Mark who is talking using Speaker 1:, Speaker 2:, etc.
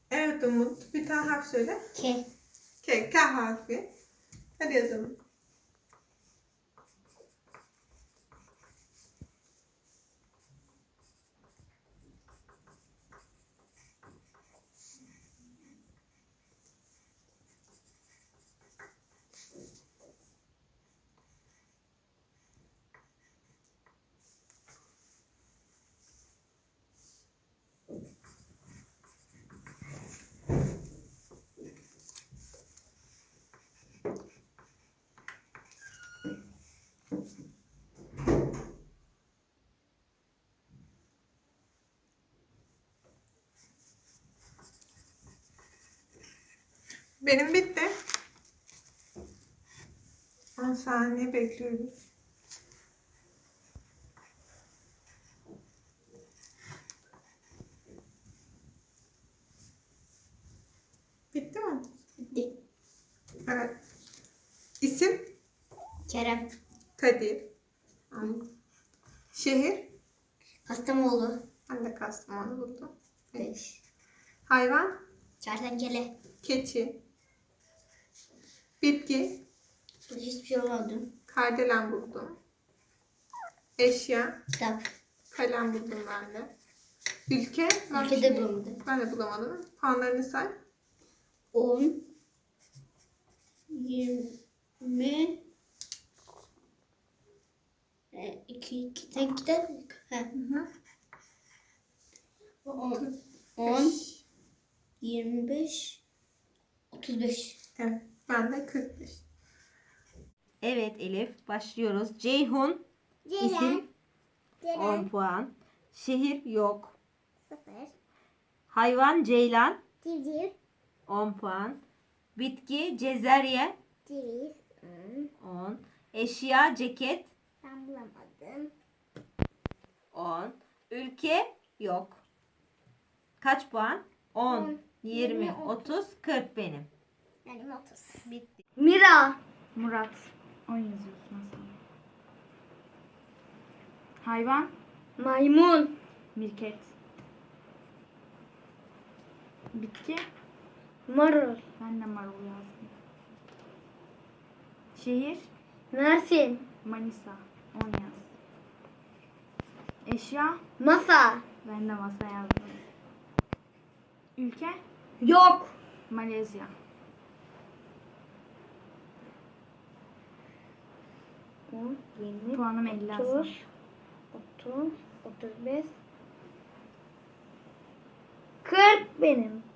Speaker 1: Evet Umut. Bir tane harf söyle.
Speaker 2: K.
Speaker 1: K. K harfi. Hadi yazalım. Benim bitti. 10 saniye bekliyoruz. Bitti mi?
Speaker 2: Bitti.
Speaker 1: Evet. İsim?
Speaker 2: Kerem.
Speaker 1: Kadir.
Speaker 2: An.
Speaker 1: Şehir?
Speaker 2: Kastamonu.
Speaker 1: Ben de Kastamonu buldum.
Speaker 2: 5.
Speaker 1: Hayvan?
Speaker 2: Kertenkele.
Speaker 1: Keçi. Bitki?
Speaker 2: Hiçbir şey olmadı.
Speaker 1: Kardelen buldum. Eşya?
Speaker 2: Kitap.
Speaker 1: Kalem buldum ben de. Ülke?
Speaker 2: Ülke de bulamadım.
Speaker 1: Ben de bulamadım. Puanlarını say.
Speaker 2: 10. 20. 2. Sen kitap.
Speaker 1: Hı hı.
Speaker 2: 10. 25. 35.
Speaker 1: Evet. Ben de 45.
Speaker 3: Evet Elif, başlıyoruz. Ceyhun isim 10 puan. Şehir yok.
Speaker 2: 0.
Speaker 3: Hayvan ceylan
Speaker 2: Civciv.
Speaker 3: 10 puan. Bitki cezerye
Speaker 2: Ceviz.
Speaker 3: 10. Eşya ceket
Speaker 2: Ben bulamadım.
Speaker 3: 10. Ülke yok. Kaç puan? 10,
Speaker 2: 10,
Speaker 3: 20,
Speaker 2: 20,
Speaker 3: 30, 40 benim.
Speaker 2: Benim 30.
Speaker 3: Bitti.
Speaker 2: Mira.
Speaker 4: Murat. 10 yazıyorsun Hasan. Hayvan.
Speaker 2: Maymun.
Speaker 4: Mirket. Bitki.
Speaker 2: Marul.
Speaker 4: Ben de marul yazdım. Şehir.
Speaker 2: Mersin.
Speaker 4: Manisa. 10 yaz. Eşya.
Speaker 2: Masa.
Speaker 4: Ben de masa yazdım. Ülke.
Speaker 2: Yok.
Speaker 4: Malezya.
Speaker 2: On, 20,
Speaker 4: Puanım 50 Hasan.
Speaker 2: 30, 30, 35, 40 benim.